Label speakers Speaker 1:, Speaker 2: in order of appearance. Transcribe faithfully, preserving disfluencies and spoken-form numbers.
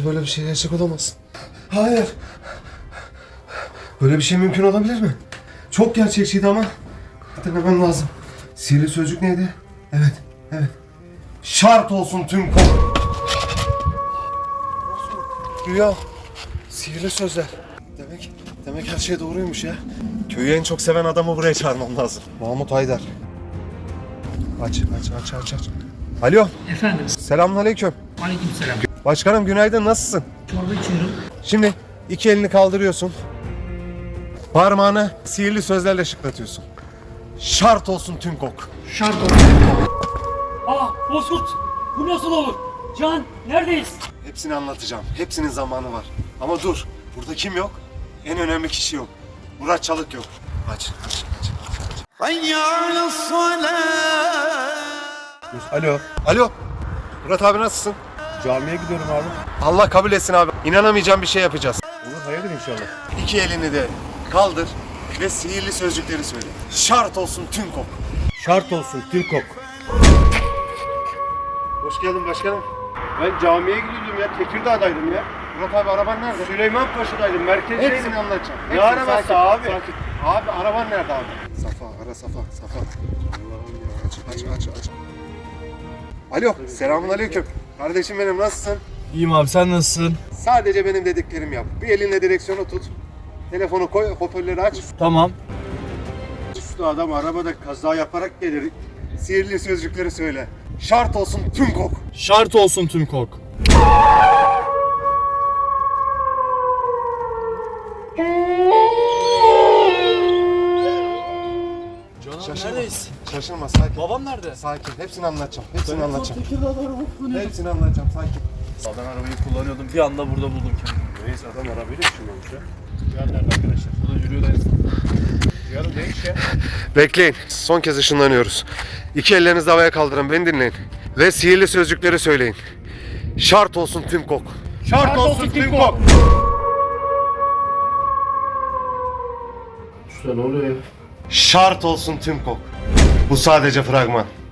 Speaker 1: Hayır, böyle bir şey gerçek olamaz. Hayır. Böyle bir şey mümkün olabilir mi? Çok gerçekçiydi ama hatırlamam lazım. Sihirli sözcük neydi? Evet, evet. Şart olsun tüm kol. Rüya. Sihirli sözler. Demek, demek her şey doğruymuş ya. Köyü en çok seven adamı buraya çağırmam lazım. Mahmut Haydar. Aç, aç, aç, aç, aç. Alo.
Speaker 2: Efendim.
Speaker 1: Selamünaleyküm.
Speaker 2: Aleykümselam.
Speaker 1: Başkanım günaydın, nasılsın?
Speaker 2: Çorba içiyorum.
Speaker 1: Şimdi iki elini kaldırıyorsun. Parmağını sihirli sözlerle şıklatıyorsun. Şart olsun tüm kok.
Speaker 2: Şart olsun.
Speaker 3: Aa Bozkurt! Bu nasıl olur? Can neredeyiz?
Speaker 1: Hepsini anlatacağım. Hepsinin zamanı var. Ama dur. Burada kim yok? En önemli kişi yok. Murat Çalık yok. Aç, aç, aç, aç. Alo. Alo. Murat abi nasılsın?
Speaker 4: Camiye gidiyorum abi.
Speaker 1: Allah kabul etsin abi. İnanamayacağım bir şey yapacağız.
Speaker 4: Olur, hayırdır inşallah.
Speaker 1: İki elini de kaldır ve sihirli sözcükleri söyle. Şart olsun tüm kok.
Speaker 4: Şart olsun Tilkok.
Speaker 1: Hoş geldin başkanım.
Speaker 4: Ben camiye gidiyordum ya, Tekirdağ'daydım ya.
Speaker 1: Murat abi araban nerede?
Speaker 4: Süleyman Paşa'daydım, merkezdeydim.
Speaker 1: Hepsini anlatacağım.
Speaker 4: Ne
Speaker 1: Hepsini,
Speaker 4: arabası
Speaker 1: sakin,
Speaker 4: abi?
Speaker 1: Sakin. Abi araban nerede abi? Safa, ara Safa, Safa. Allah'ım ya, aç, aç, aç, aç. Alo, selamun aleyküm. Kardeşim benim, nasılsın?
Speaker 5: İyiyim abi, sen nasılsın?
Speaker 1: Sadece benim dediklerimi yap. Bir elinle direksiyonu tut. Telefonu koy, hoparlörü aç.
Speaker 5: Tamam.
Speaker 1: Üstü adam arabada kaza yaparak gelir. Sihirli sözcükleri söyle. Şart olsun tüm kok.
Speaker 5: Şart olsun tüm kok. Canım
Speaker 1: Şaşırma.
Speaker 5: neredeyiz?
Speaker 1: Şaşırma, sakin.
Speaker 5: Babam nerede?
Speaker 1: Sakin, hepsini anlatacağım. Hepsini anlatacağım. Hepsini anlatacağım, sakin.
Speaker 5: Ben arabayı kullanıyordum, bir anda burada buldum kendimi.
Speaker 4: Reis adam arabayla düşünüyormuş ya. Cihan nerede arkadaşlar?
Speaker 5: Burada yürüyor da
Speaker 4: Cihan'ım ne iş ya?
Speaker 1: Bekleyin. Son kez ışınlanıyoruz. İki ellerinizi havaya kaldırın. Beni dinleyin. Ve sihirli sözcükleri söyleyin. Şart olsun tüm kok.
Speaker 4: Şart olsun Tilkok. Usta ne oluyor ya?
Speaker 1: Şart olsun tüm kok. Bu sadece fragman.